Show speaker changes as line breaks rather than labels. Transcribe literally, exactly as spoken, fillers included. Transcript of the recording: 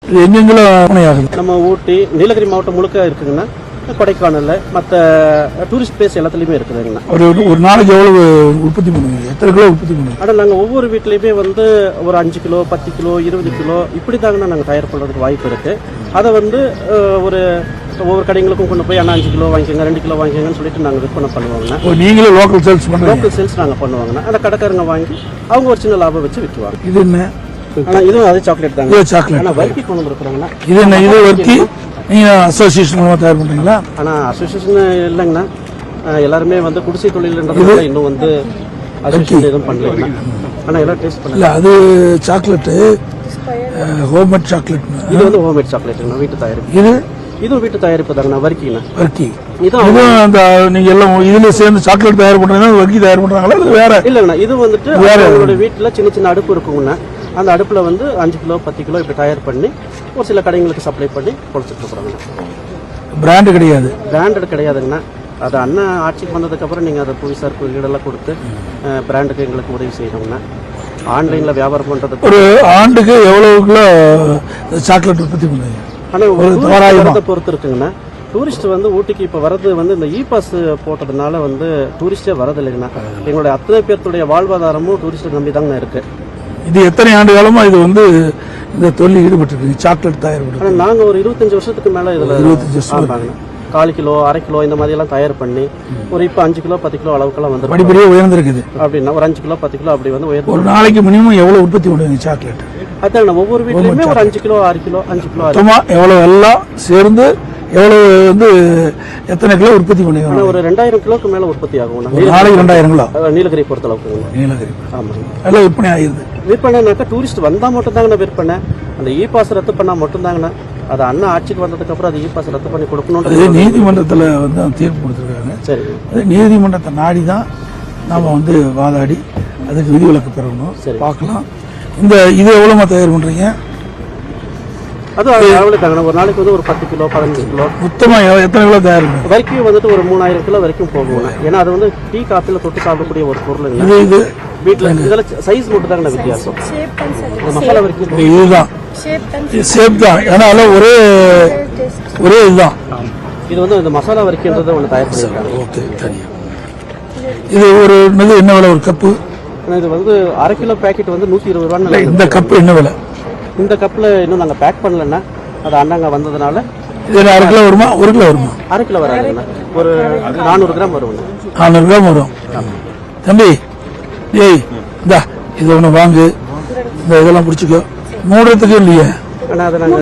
எங்கெங்கெல்லாம்
நம்ம ஊட்டி நீலகிரி மாவட்டம் முழுக்க இருக்குங்கண்ணா. கொடைக்கானல்ல மற்ற டூரிஸ்ட் பிளேஸ் எல்லாத்துலயுமே இருக்குதுங்கண்ணா.
ஒரு ஒரு நாளைக்கு எவ்வளவு உற்பத்தி பண்ணுவீங்க? எத்தனை கிலோ உற்பத்தி பண்ணுவீங்க?
ஆனால் நாங்கள் ஒவ்வொரு வீட்லேயுமே வந்து ஒரு அஞ்சு கிலோ பத்து கிலோ இருபது கிலோ இப்படி தாங்கண்ணா நாங்கள் தயார் பண்ணுறதுக்கு வாய்ப்பு இருக்குது. அதை வந்து ஒரு ஒவ்வொரு கடைகளுக்கும் கொண்டு போய் ஆனால் அஞ்சு கிலோ வாங்கிக்கோங்க ரெண்டு கிலோ வாங்கிக்கோங்கன்னு சொல்லிட்டு நாங்கள் விற்பனை பண்ணுவாங்கண்ணா.
நீங்களும் லோக்கல் சேல்ஸ் பண்ணுவோம்.
லோக்கல் சேல்ஸ் நாங்கள் பண்ணுவாங்கண்ணா. அந்த கடைக்காரங்க வாங்கி அவங்க ஒரு சின்ன லாபம் வச்சு விற்றுவாங்க.
இது என்ன?
ஆனால் இதுவும் அதே சாக்லேட் தாங்க.
சாக்லேட்
ஆனால் வர்க்கி கொண்டு வந்துருக்குறாங்கண்ணா.
இது என்ன? இது வர்க்கி நீங்கள் அசோசியேஷன் மூலமாக தயார் பண்ணுறீங்களா?
ஆனால் அசோசியேஷன் இல்லைங்கண்ணா. எல்லாருமே வந்து குடிசை தொழில்ன்றதுனால இன்னும் வந்து அசோசியேஷன் எதுவும் பண்ணல. ஆனால் எல்லாம் டேஸ்ட் பண்ணல. அது
சாக்லேட்டு ஹோம்மேட் சாக்லேட்.
இது வந்து ஹோம்மேட் சாக்லேட்டுங்கண்ணா, வீட்டு தயாரிப்பு. இது இதுவும் வீட்டு தயாரிப்பு தாங்கண்ணா, வர்க்கிங்கண்ணா.
வர்க்கி இதுவும் அந்த நீங்க எல்லாம் இதுல சேர்ந்து சாக்லேட் தயார் பண்றீங்கன்னா வர்க்கி தயார் பண்றாங்களா இல்லை வேற?
இல்லைங்கண்ணா, இது வந்துட்டு உங்களோட வீட்டில் சின்ன சின்ன அடுப்பு இருக்குங்கண்ணா. அந்த அடுப்புல வந்து அஞ்சு கிலோ பத்து கிலோ இப்படி தயார் பண்ணி ஒரு சில கடைகளுக்கு சப்ளை பண்ணி கொடுத்துட்டு இருக்கிறாங்கண்ணா.
பிராண்டு கிடையாது?
பிராண்டட் கிடையாதுங்கண்ணா. அது அண்ணன் ஆட்சிக்கு வந்ததுக்கு அப்புறம் நீங்க அதை புவிசார் குறியீடெல்லாம் கொடுத்து பிராண்டுக்கு எங்களுக்கு உதவி செய்யணுங்கண்ணா. ஆன்லைன்ல வியாபாரம் பண்றதுக்கு
ஒரு ஆண்டுக்கு எவ்வளவு கிலோ சாக்லேட் உற்பத்தி பண்ணுவீங்க?
ஆனா ஒரு பொறுத்து இருக்குங்கண்ணா. டூரிஸ்ட் வந்து ஊட்டிக்கு இப்போ வரது வந்து இந்த இ பாஸ் போட்டதுனால வந்து டூரிஸ்டே வரது இல்லைங்கண்ணா. எங்களுடைய அத்தனை பேர்த்துடைய வாழ்வாதாரமும் டூரிஸ்ட் நம்பி தாங்கண்ணா இருக்கு.
இது எத்தனை ஆண்டு காலமா இது வந்து இந்த தொழில் ஈடுபட்டு சாக்லேட் தயார் பண்ணி?
நாங்க ஒரு இருபத்தஞ்சு வருஷத்துக்கு மேல இதுல இருபத்தஞ்சு வருஷம் கால் கிலோ அரை கிலோ இந்த மாதிரி எல்லாம் தயார் பண்ணி ஒரு இப்போ அஞ்சு கிலோ பத்து கிலோ அளவுக்குலாம் வந்து
படிப்படியாக உயர்ந்திருக்குது.
அப்படின்னா ஒரு அஞ்சு கிலோ பத்து கிலோ அப்படி வந்து உயர்ந்து
ஒரு நாளைக்கு மினிமம் எவ்வளவு உற்பத்தி பண்ணுவீங்க சாக்லேட்?
அதான் ஒவ்வொரு வீட்லயுமே ஒரு அஞ்சு கிலோ ஆறு கிலோ அஞ்சு கிலோ
எவ்வளவு எல்லாம் சேர்ந்து எவ்வளவு வந்து எத்தனை கிலோ உற்பத்தி பண்ணுவீங்க?
ஒரு ரெண்டாயிரம் கிலோக்கு மேல உற்பத்தி ஆகும்
நாளைக்கு. ரெண்டாயிரம் கிலோ
நீலகிரி பொறுத்த அளவுக்கு.
நீலகிரி
ஆமா,
எல்லாம் விற்பனை ஆகிருது.
விற்பனைனாக்கா டூரிஸ்ட் வந்தா மட்டும் தாங்கண்ணா விற்பனை. அந்த இ பாஸ் ரத்து பண்ணா மட்டும் தாங்கண்ணா. அது அண்ணா ஆட்சிக்கு வந்ததுக்கு அப்புறம் அது இ பாஸ் ரத்து பண்ணி கொடுக்கணும்.
நீதிமன்றத்தில் வந்து தீர்ப்பு கொடுத்துருக்காங்க.
சரி,
அது நீதிமன்றத்தை நாடி தான் நாம வந்து வாதாடி அதுக்கு விதிவிலக்கு பெறணும். சரி, பார்க்கலாம். இந்த இது எவ்வளவு தயார் பண்றீங்க?
அது எவ்வளவு தாங்கண்ணா? ஒரு நாளைக்கு வந்து ஒரு பத்து கிலோ பதினஞ்சு கிலோ
மொத்தமா எத்தனை கிலோ தயார் பண்ணுங்க?
வரைக்கும் வந்துட்டு ஒரு மூணாயிரம் கிலோ வரைக்கும் போகும். ஏன்னா அது வந்து டீ காஃபில தொட்டு சாப்பிடக்கூடிய ஒரு பொருள்.
இது இது
வீட்டுல இதெல்லாம் சைஸ் மட்டும் தாங்கண்ணா வித்தியாசம். மசாலா வரைக்கும்
இதுதான் ஷேப் தான். ஏன்னா ஒரே ஒரே இதுதான்.
இது வந்து இந்த மசாலா வரைக்கும்ன்றதை ஒன்று தயார் பண்ணிருக்காங்க.
ஓகே, சரியா. இது ஒரு என்ன விலை ஒரு கப்பு?
இது வந்து அரை கிலோ பேக்கெட் வந்து நூத்தி இருபது ரூபா.
இந்த கப்பு என்ன விலை?
இந்த கப்ல இன்னும் நாங்க பேக் பண்ணலன்னா அது அண்ணாங்க வந்ததுனால
இது அரை கிலோ வருமா? ஒரு கிலோ வருமா?
அரை கிலோ வராதுண்ணா, ஒரு நானூறு கிராம் வரும்.
நானூறு கிராம் வரும். தம்பி ஏய் இந்தா இது ஒன்று வாங்கு. இந்த இதெல்லாம் பிடிச்சிக்கோ. மூடுறதுக்கு இல்லையே.
ஆனால் அதை நாங்கள்